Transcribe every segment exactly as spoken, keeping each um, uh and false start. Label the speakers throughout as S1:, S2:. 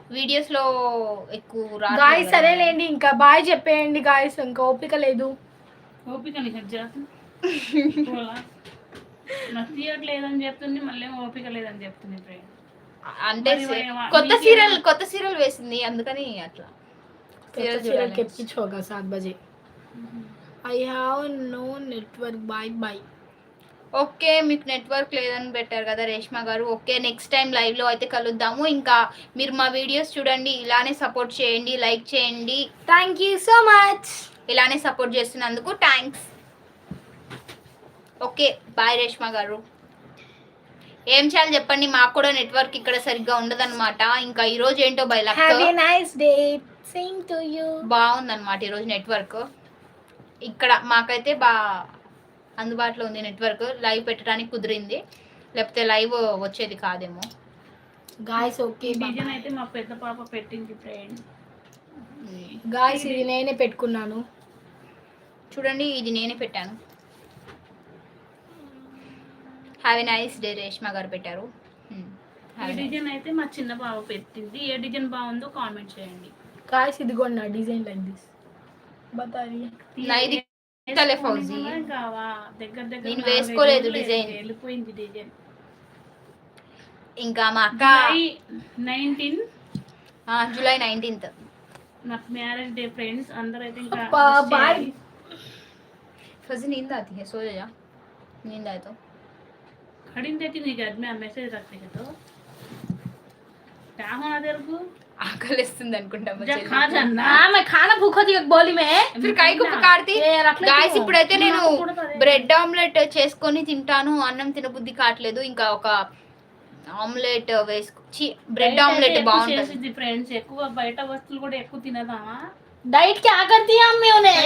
S1: Videos లో ఎక్కువ రాదు
S2: గాయస్. సరేలేండి, ఇంకా బాయ్ చెప్పేయండి గాయస్, ఇంకా ఓపిక లేదు.
S3: ఓపిక నాకు తీయట్లేదని చెప్తుంది, మళ్ళీ ఓపిక లేదని చెప్తుంది ఫ్రెండ్.
S1: అంటే కొత్త సీరియల్ కొత్త సీరియల్ వేసింది అందుకని అట్లా
S2: సీరియల్ కెప్పించుకోగా సాత్ బజే. I have no network. Bye bye.
S1: Okay, మీకు నెట్వర్క్ లేదని పెట్టారు కదా రేష్మా గారు. ఓకే, నెక్స్ట్ టైం లైవ్లో అయితే కలుద్దాము. ఇంకా మీరు మా వీడియోస్ చూడండి, ఇలానే సపోర్ట్ చేయండి, లైక్ చేయండి.
S2: Thank you so much.
S1: ఇలానే సపోర్ట్ చేస్తున్నందుకు thanks. Okay, bye Reshma garu. ఏం చేయాలి చెప్పండి, మాకు కూడా నెట్వర్క్ ఇక్కడ సరిగ్గా ఉండదన్నమాట. ఇంకా ఈరోజు ఏంటో బై లక్ బాగుందన్నమాట ఈరోజు నెట్వర్క్. ఇక్కడ మాకైతే బా అందుబాటులో ఉంది నెట్వర్క్. లైవ్ పెట్టడానికి కుదిరింది, లేకపోతే లైవ్ వచ్చేది కాదేమో
S2: గాయ్స్. ఓకే,
S3: డిజైన్ అయితే మా పెద్ద పాప పెట్టింది ఫ్రెండ్.
S2: గాయ్స్ ఇది నేనే పెట్టుకున్నాను
S1: చూడండి, ఇది నేనే పెట్టాను. Have a nice day Reshma గారు పెట్టారు.
S3: ఈ డిజైన్ అయితే మా చిన్న బావ పెట్టింది. ఏ డిజైన్ బాగుందో కామెంట్ చేయండి
S2: గాయ్స్. ఇదిగోండి నా డిజైన్ లైక్ దిస్. బతాయి
S1: నైది తలే ఫౌజీ
S3: దగ్గర దగ్గర
S1: నేను వేసుకోలేదు డిజైన్,
S3: వెళ్ళిపోయింది డిజైన్.
S1: ఇంకా మా అక్క
S3: నైన్టీన్
S1: జూలై నైన్టీన్త్
S3: నాకు మ్యారేజ్ డే ఫ్రెండ్స్. అందరూ అయితే ఇంకా
S2: बाय.
S1: फौजी नींद आती है, सो जा, नींद आए तो
S3: खड़ी देती नहीं घर में मैसेज रखते हैं तो क्या होना तेरे को
S1: ఆకలిస్తుంది అనుకుంటా.
S3: खा जाना
S2: मैं खाना भूखा थी एक बोली में
S1: फिर काई को पकाड़ती గాయ్స్. ఇప్పుడైతే నేను బ్రెడ్ ఆమ్లెట్ చేసుకొని తింటాను. అన్నం తినబుద్ధి కావట్లేదు. ఇంకా ఒక ఆమ్లెట్ వేసుకొచ్చి బ్రెడ్ ఆమ్లెట్ బాగుంటుంది
S3: ఫ్రెండ్స్. ఎక్కువ బయట వస్తువులు కూడా ఎక్కువ తినదా.
S2: డైట్ क्या करती है अम्मी उन्हें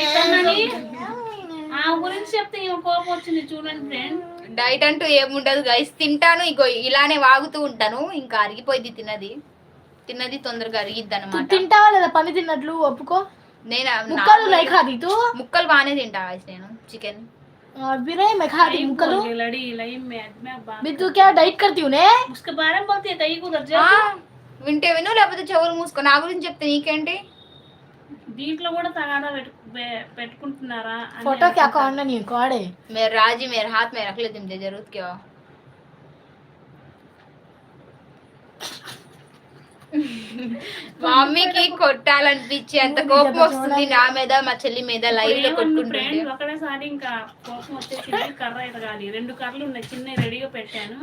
S3: ఆ గురించి చెప్తే కోపం వచ్చింది చూడండి ఫ్రెండ్.
S1: డైట్ అంటూ ఏముండదు గైస్, తింటాను ఇగో ఇలానే వాగుతూ ఉంటాను. ఇంకా అరిగిపోయింది తిన్నది తిన్నది తొందరగా అరిగిద్ది అనమాట.
S2: తింటావా లేదా పని తిన్నట్లు ఒప్పుకో.
S1: నేను
S2: ముక్కలు లై ఖాది తూ
S1: ముక్కలు బాగానే తింటా గైస్ నేను చికెన్.
S2: बिरे मैं खाती मुकलो
S3: लड़ी लई में मैं बात
S2: भी तू क्या डाइट करती हूं ने
S3: उसके बारे में बोलती है कहीं को उधर जा.
S1: వింటే విను, లేకపోతే చెవులు మూసుకో. నా గురించి చెప్తే నీకేంటి.
S3: దీంట్లో కూడా తగాదా పెట్టుకుంటున్నారా.
S2: फोटो क्या करना नहीं कोड़े
S1: मेरे राजी मेरे हाथ में रख ले तुम दे जरूरत क्या. మా మమ్మీకి కొట్టాలనిపించి అంత కోపం వస్తుంది నా మీద, మా చెల్లి మీద. లైవ్ లో కొట్టుకుంటుంది.
S3: ఒకటేసారి ఇంకా కోపం వచ్చేసి కర్ర ఎదగాలి. రెండు కర్రలు ఉన్నాయి చిన్న రెడీగా పెట్టాను.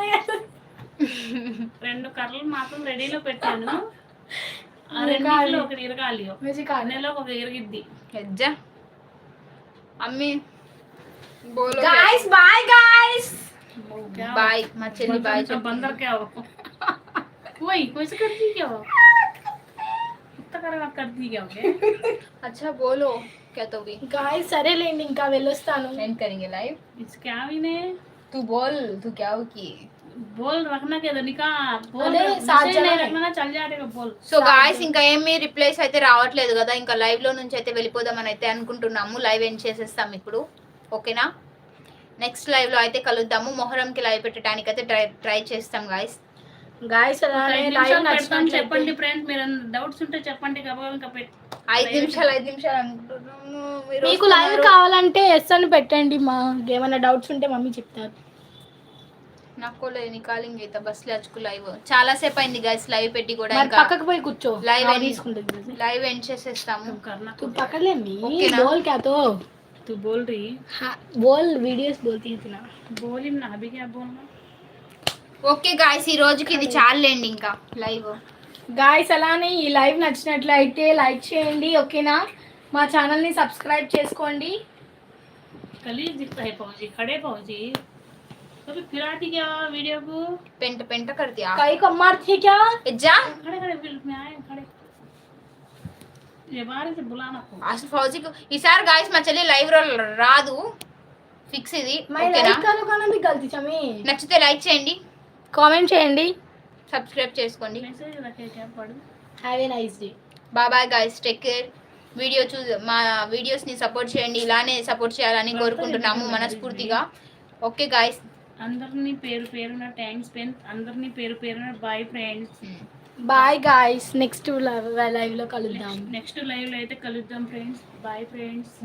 S3: రెండు కర్రలు మాత్రం రెడీలో పెట్టాను. ఆ రెండిట్లో ఒకటి ఇరగాలి, నెలలో ఒక ఇరిగిద్ది.
S1: హెజ్జా అమ్మి బోలో
S2: गाइस बाय गाइस
S1: बाय. మా చెల్లి బాయ్ చెప్పు.
S3: बंदर क्या हो कोई कैसे करती क्या हो इतना कर करती क्या हो
S1: अच्छा बोलो क्या तो भी
S2: गाइस సరే లేండి ఇంకా వెళ్ళొస్తాను.
S1: एंड करेंगे लाइव.
S3: इस क्या भी ने
S1: तू बोल, तू क्या हो की
S3: बोल रखना के निका बोल
S2: अरे साथ
S3: नहीं रखना चल जाएगा बोल.
S1: సో గాయ్స్ ఇంకా ఏమీ రిప్లైస్ అయితే రావట్లేదు కదా. ఇంకా లైవ్ లో నుంచి అయితే వెళ్ళిపోదామని అయితే అనుకుంటున్నాము. లైవ్ ఎండ్ చేసేస్తాం ఇప్పుడు, ఓకేనా. నెక్స్ట్ లైవ్ లో అయితే కలుద్దాము. మొహరంకి లైవ్ పెట్టడానికి అయితే ట్రై ట్రై చేస్తాం గాయ్స్.
S2: గాయ్స్ అలానే లైవ్ నచ్చినట్లయితే
S3: చెప్పండి ఫ్రెండ్స్. మీరు డౌట్స్ ఉంటే చెప్పండి. గబగబా ఇంకా
S1: ఐదు నిమిషాలు ఐదు నిమిషాలు అనుకుంటున్నాము.
S2: మీకు లైవ్ కావాలంటే ఎస్ అని పెట్టండి. మా ఏమైనా డౌట్స్ ఉంటే మమ్మీ చెప్తారు.
S1: నాకు నికాలింగ్ అయితే బస్ లేచుకు లైవ్ చాలా సేపు అయింది గైస్ లైవ్ పెట్టి కూడా. ఇంకా
S2: పక్కకు పోయి కూర్చో,
S1: లైవ్
S2: తీసుకుంటుంది.
S1: లైవ్ ఎండ్ చేసేస్తాము.
S2: तू पकड़ ले मी बोल क्या तो
S3: तू बोल रही
S2: हाँ बोल वीडियोस बोलती है ना
S3: बोल ही ना अभी क्या बोलना.
S1: ఓకే గాయ్స్, ఈ రోజుకి ఇది చాలండి ఇంకా లైవ్.
S2: గాయ్స్ అలానే ఈ లైవ్ నచ్చినట్లయితే లైక్ చేయండి, ఓకేనా. మా ఛానల్ ని సబ్స్క్రైబ్ చేసుకోండి.
S3: कलीज दिखता है पहुंची खड़े पहुंची कभी फिराती क्या वीडियो को
S1: पेंट पेंट कर दिया
S2: कई को मारती है क्या
S1: जा
S3: खड़े खड़े फिल्म में आए खड़े ये बाहर से बुलाना को
S1: అసలు ఫౌజీకి ఈసారి గాయ్స్ మా చెల్లి లైవ్ లో రాదు, ఫిక్స్ ఇది, ఓకేనా.
S2: లైక్ కరో కానా भी गलती चमी
S1: నచ్చితే లైక్ చేయండి,
S2: కామెంట్ చేయండి,
S1: సబ్స్క్రైబ్ చేసుకోండి.
S3: मैसेज रखे क्या पढ़
S2: have a nice day.
S1: Bye bye guys, take care. Video చూ మా వీడియోస్ని సపోర్ట్ చేయండి, ఇలానే సపోర్ట్ చేయాలని కోరుకుంటున్నాము మనస్ఫూర్తిగా. ఓకే గాయ్స్,
S3: అందరినీ పేరు పేరున థ్యాంక్స్ ఫ్రెండ్స్. అందరినీ పేరు పేరున bye friends.
S2: Bye guys, next live లో కలుద్దాం.
S3: నెక్స్ట్ లైవ్ లో అయితే కలుద్దాం ఫ్రెండ్స్. Bye friends.